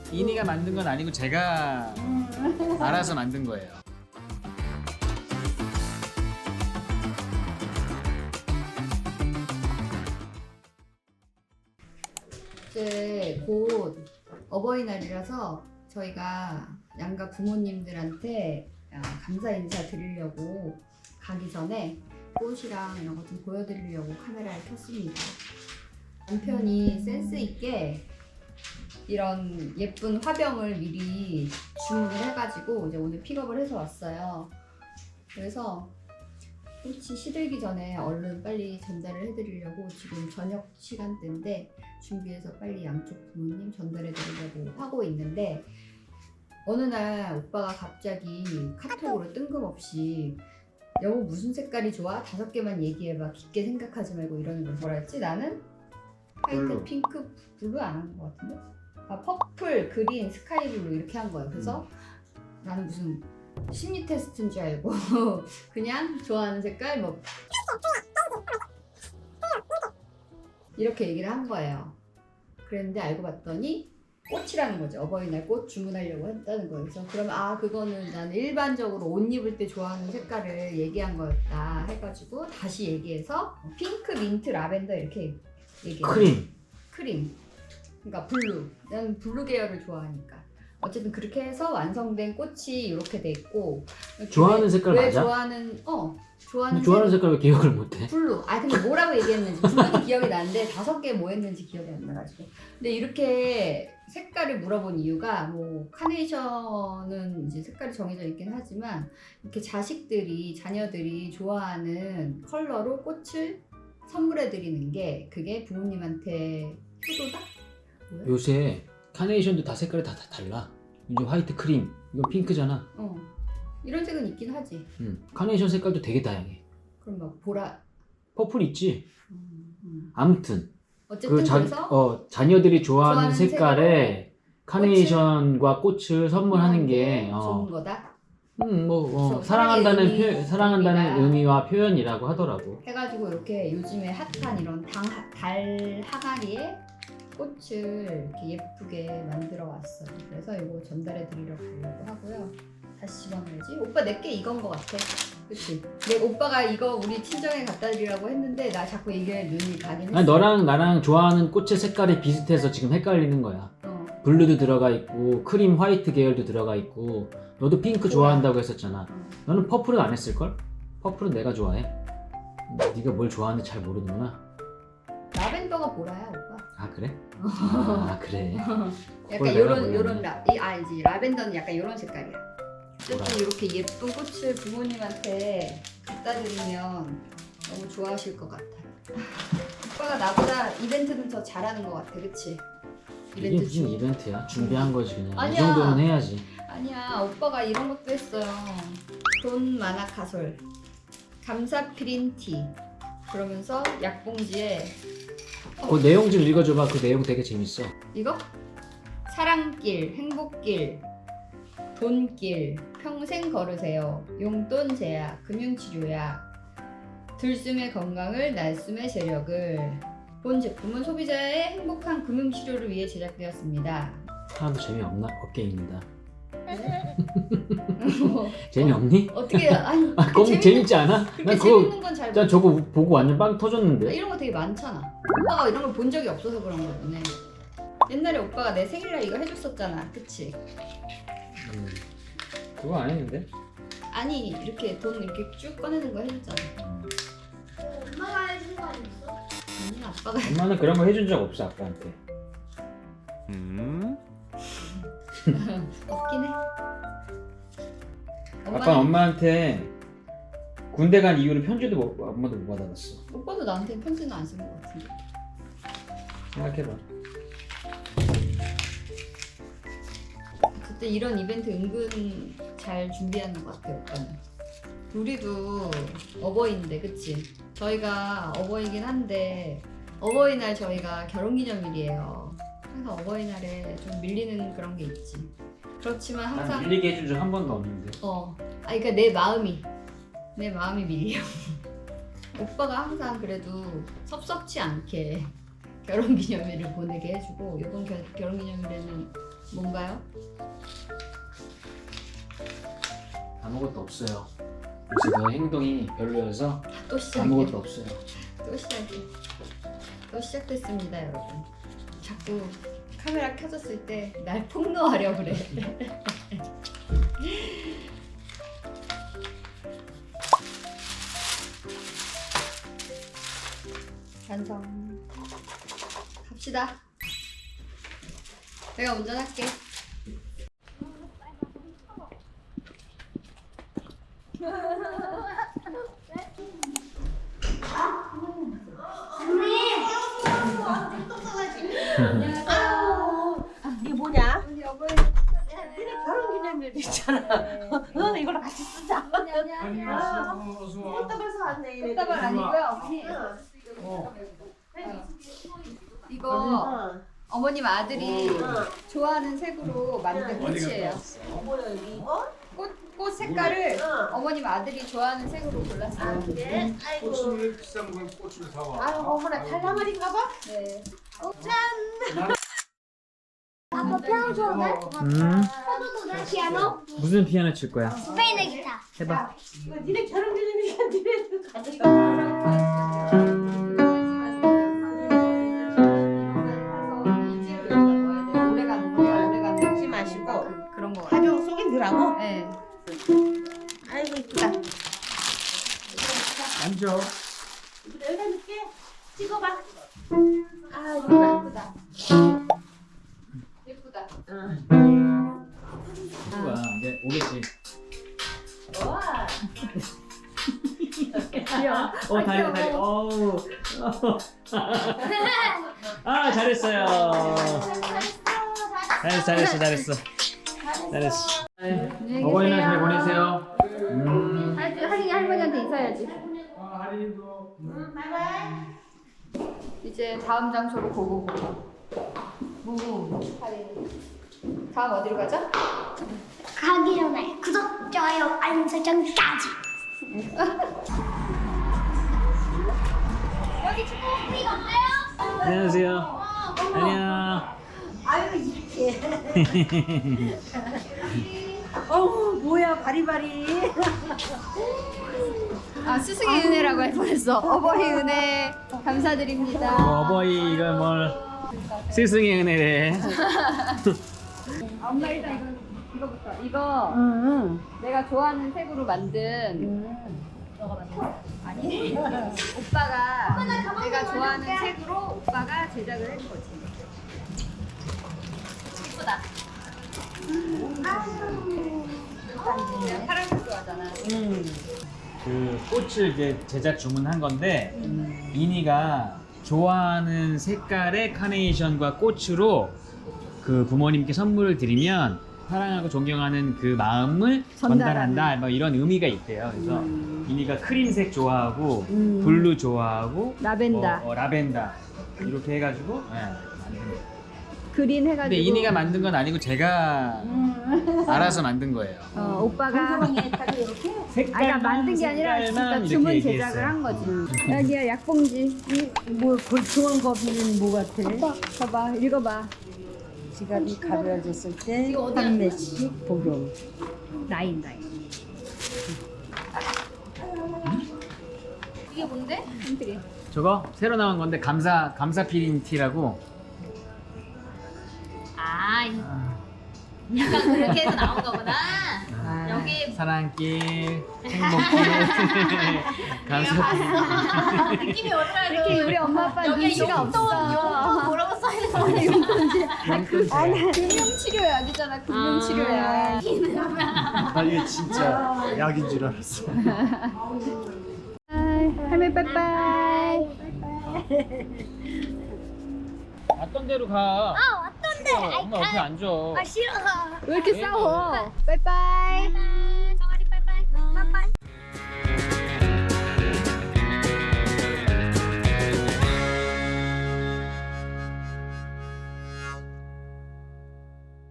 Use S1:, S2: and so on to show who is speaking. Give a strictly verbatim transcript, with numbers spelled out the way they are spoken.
S1: 이니가 만든 건 아니고 제가 알아서 만든 거예요.
S2: 이제 곧 어버이날이라서 저희가 양가 부모님들한테 아, 감사 인사 드리려고 가기 전에 꽃이랑 이런 거 좀 보여드리려고 카메라를 켰습니다. 남편이 센스 있게 이런 예쁜 화병을 미리 주문을 해가지고 이제 오늘 픽업을 해서 왔어요. 그래서 꽃이 시들기 전에 얼른 빨리 전달을 해드리려고 지금 저녁 시간대인데 준비해서 빨리 양쪽 부모님 전달해 드리려고 하고 있는데 어느 날 오빠가 갑자기 카톡으로 뜬금없이 여보 무슨 색깔이 좋아? 다섯 개만 얘기해봐. 깊게 생각하지 말고 이러는 걸 뭐라 했지? 나는 화이트,
S1: 블루.
S2: 핑크, 블루 안 한 것 같은데? 아 퍼플, 그린, 스카이 블루 이렇게 한 거예요. 그래서 나는 무슨 심리 테스트인 줄 알고 그냥 좋아하는 색깔 뭐 이렇게 얘기를 한 거예요. 그랬는데 알고 봤더니 꽃이라는 거죠. 어버이날 꽃 주문하려고 했다는 거예요. 그래서 그러면 아 그거는 나는 일반적으로 옷 입을 때 좋아하는 색깔을 얘기한 거였다 해가지고 다시 얘기해서 핑크, 민트, 라벤더 이렇게 얘기해요.
S1: 크림.
S2: 크림. 그러니까 블루. 나는 블루 계열을 좋아하니까. 어쨌든 그렇게 해서 완성된 꽃이 이렇게 돼 있고
S1: 좋아하는
S2: 왜-
S1: 색깔
S2: 왜
S1: 맞아?
S2: 좋아하는 어 좋아하는
S1: 근데 좋아하는
S2: 색-
S1: 색깔 왜 기억을 못해?
S2: 블루. 아 근데 뭐라고 얘기했는지 블루는 기억이 나는데 다섯 개 뭐 했는지 기억이 안 나가지고. 근데 이렇게 색깔을 물어본 이유가 뭐 카네이션은 이제 색깔이 정해져 있긴 하지만 이렇게 자식들이 자녀들이 좋아하는 컬러로 꽃을 선물해 드리는 게 그게 부모님한테 효도다? 뭐야?
S1: 요새 카네이션도 다 색깔이 다, 다 달라. 이제 화이트 크림, 이건 핑크잖아.
S2: 어 이런 색은 있긴 하지.
S1: 응. 카네이션 색깔도 되게 다양해.
S2: 그럼 막 보라.
S1: 퍼플 있지.
S2: 음, 음.
S1: 아무튼
S2: 어쨌든
S1: 그 자,
S2: 그래서
S1: 어, 자녀들이 좋아하는,
S2: 좋아하는
S1: 색깔에 카네이션과 꽃을 선물하는 게 어,
S2: 좋은 거다.
S1: 음, 뭐 어,
S2: 그래서
S1: 사랑한다는
S2: 사랑의 의미,
S1: 표, 사랑한다는
S2: 의미가.
S1: 의미와 표현이라고 하더라고.
S2: 해가지고 이렇게 요즘에 핫한 이런 당, 달 항아리에 꽃을 이렇게 예쁘게 만들어 왔어요. 그래서 이거 전달해 드리려고 하고요. 다시 집어넣어야지. 오빠 내게 이건 거 같아. 그치? 내 오빠가 이거 우리 친정에 갖다 드리라고 했는데 나 자꾸 이게 눈이 가긴 했어.
S1: 아니, 너랑 나랑 좋아하는 꽃의 색깔이 비슷해서 지금 헷갈리는 거야.
S2: 어.
S1: 블루도 들어가 있고 크림 화이트 계열도 들어가 있고 너도 핑크 좋아한다고 했었잖아.
S2: 어.
S1: 너는 퍼플은 안 했을걸? 퍼플은 내가 좋아해. 네가 뭘 좋아하는지 잘 모르는구나.
S2: 라벤더가 보라야 오빠.
S1: 아 그래? 아 그래.
S2: 약간
S1: 그걸 내가
S2: 요런
S1: 몰랐네.
S2: 요런 라, 이 알지? 라벤더는 약간 요런 색깔이야. 어쨌든 이렇게 예쁜 꽃을 부모님한테 갖다 드리면 너무 좋아하실 것 같아요. 오빠가 나보다 이벤트는 더 잘하는 것 같아, 그치?
S1: 이게
S2: 이벤트
S1: 무슨
S2: 중.
S1: 이벤트야? 준비한 거지 그냥. 이
S2: 아니야.
S1: 정도는 해야지.
S2: 아니야, 오빠가 이런 것도 했어요. 돈 많아 가솔, 감사 피린티. 그러면서 약봉지에
S1: 그 내용 좀 읽어줘봐. 그 내용 되게 재밌어.
S2: 이거? 사랑길, 행복길, 돈길, 평생 걸으세요. 용돈 제약, 금융치료약, 들숨의 건강을, 날숨의 재력을. 본 제품은 소비자의 행복한 금융치료를 위해 제작되었습니다.
S1: 사람도 재미없나? 없게 읽는다.
S2: 뭐,
S1: 재미없니?
S2: 어떻게 아니
S1: 아 그거
S2: 재밌는-
S1: 재밌지 않아?
S2: 그렇게
S1: 난 그거
S2: 재밌는 건 잘
S1: 난
S2: 모르.
S1: 저거 보고 완전 빵
S2: 아,
S1: 터졌는데.
S2: 이런 거 되게 많잖아. 오빠가 이런 걸 본 적이 없어서 그런 거네. 옛날에 오빠가 내 생일날 이거 해줬었잖아, 그치?
S1: 음, 그거 안 했는데?
S2: 아니 이렇게 돈 이렇게 쭉 꺼내는 거 해줬잖아.
S3: 엄마가 해준 거 아니었어?
S2: 아니 아빠가
S1: 엄마는 그런 거 해준 적 없어 아빠한테.
S2: 없긴 해.
S1: 아빠 엄마한테 군대 간 이후로 편지도 못, 엄마도 못 받아봤어.
S2: 오빠도 나한테 편지는 안 쓴 것 같은데.
S1: 생각해봐.
S2: 어쨌든 이런 이벤트 은근 잘 준비하는 것 같아 오빠는. 우리도 어버이인데 그치? 저희가 어버이긴 한데 어버이날 저희가 결혼기념일이에요. 항상 어버이날에 좀 밀리는 그런 게 있지. 그렇지만 항상
S1: 난 밀리게 해준 적 한 번도 없는데.
S2: 어, 아 그러니까 내 마음이 내 마음이 밀려. 오빠가 항상 그래도 섭섭치 않게 결혼기념일을 보내게 해주고 이번 겨, 결혼기념일에는 뭔가요?
S1: 아무것도 없어요. 역시 너 행동이 별로여서
S2: 또 시작이야.
S1: 아무것도 없어요.
S2: 또 시작이야. 또 시작됐습니다, 여러분. 자꾸 카메라 켜졌을 때 날 폭로하려 그래. 완성. 갑시다. 내가 운전할게.
S4: 이게 뭐냐?
S2: 우리 어머니.
S4: 니네 결혼기념일 있잖아. 어, 이걸로 같이 쓰자.
S3: 안녕하세요.
S4: 꽃다발서 왔네. 얘네들.
S2: 꽃다발 아니고요, 어머니.
S4: 어.
S2: 이거
S4: 어.
S2: 어머님 아들이
S4: 어.
S2: 좋아하는 색으로 만든 꽃이에요.
S4: 뭐야 여기 이거?
S2: 꽃, 꽃 색깔을
S4: 어.
S2: 어머님 아들이 좋아하는 색으로 골랐어요.
S4: 그래? 아이고.
S3: 꽃을 비싼 걸 꽃을 사와.
S4: 아유 어머나 달라말인가 봐.
S2: 네.
S3: 아빠 피아노 좋아해?
S1: 음.
S3: 피아노?
S1: 무슨 피아노 칠 거야?
S3: 스페인의 기타.
S1: 해봐.
S4: 이거 니네 결혼기념일이야. 니네들 가져가. 먹지 마시고
S2: 그런 거.
S4: 가벼운 속에 넣으라고?
S2: 네.
S4: 아이고 이쁘다.
S1: 앉아.
S4: 이거 여기다 넣을게. 찍어봐. 아 이쁘다.
S2: 예쁘다. 예쁘다.
S4: 응.
S1: 뭐야? 이제 오겠지.
S4: 와.
S2: 귀여워.
S1: 어 다리 다리. 어우. 아 잘했어요. 잘했어 잘했어 잘했어 잘했어.
S2: 안녕히
S1: 어버이날 잘
S2: 계세요.
S1: 보내세요. 음.
S2: 할- 할머니 할머니한테 인사해야지.
S3: 아, 할인도.
S4: 바이바이.
S2: 이제 다음 장소로 고고 고고. 무무. 다음 어디로 가죠?
S3: 가기 전에 구독, 좋아요, 알림 설정까지. 여기 축구 우리가 없나요?
S1: 안녕하세요. 안녕.
S4: 아유 이렇게. 어우 뭐야 바리바리.
S2: 아 스승의 은혜라고 할 뻔했어. 어버이 은혜 감사드립니다.
S1: 뭐 어버이 이걸 뭘 스승의 은혜래.
S2: 엄마 일단 이거 이거부터 이거
S4: 응.
S2: 내가 좋아하는 색으로 만든
S4: 응.
S2: 아니 오빠가 내가 좋아하는 색으로 오빠가 제작을 한 거지. 예쁘다. 내가 파란색 좋아하잖아.
S4: 응.
S1: 그 꽃을 이제 제작 주문한 건데 이니가 좋아하는 색깔의 카네이션과 꽃으로 그 부모님께 선물을 드리면 사랑하고 존경하는 그 마음을
S2: 전달하는.
S1: 전달한다 뭐 이런 의미가 있대요. 그래서 이니가 크림색 좋아하고
S2: 음.
S1: 블루 좋아하고
S2: 라벤더.
S1: 어, 어, 라벤더 이렇게 해가지고 네, 만든 거예요.
S2: 그린 해가지고.
S1: 근데 이니가 만든 건 아니고 제가
S2: 음.
S1: 알아서 만든 거예요.
S2: 어, 오빠가
S4: 방송에 딱 이렇게.
S2: 아니
S1: 색깔만
S2: 그러니까 만든 게 아니라 진짜
S1: 색깔만
S2: 주문
S1: 이렇게
S2: 제작을
S1: 얘기했어요.
S2: 한 거지.
S1: 음.
S2: 여기야 약봉지.
S4: 뭐 골통한 거비는 뭐 같아?
S2: 오빠 봐봐 읽어봐.
S4: 지갑이 가벼워졌을 때 판매식 복용.
S2: 나인 나인. 이게 뭔데? 힌트리.
S1: 저거 새로 나온 건데 감사 감사 피린 티라고.
S5: 아, 이- 약간 그렇게 해서 나온 거구나.
S4: 아,
S5: 여기
S1: 사랑길 행복길 감사 피린.
S5: 느낌이 오더라도
S2: 이렇게 우리 엄마 아빠
S5: 여기에
S2: 눈치가
S5: 용돈,
S2: 없어.
S5: 용돈 뭐라고 써있는
S2: 아니 금융치료약이잖아. 금융치료약.
S6: 나 이게 진짜 약인 줄 알았어.
S2: 할머니 빠이빠이.
S1: 왔던 대로 가.
S3: 아, 왔던데.
S1: 어, 엄마 옆에 앉아.
S3: 아, 싫어.
S2: 왜 이렇게 싸워? 빠이빠이.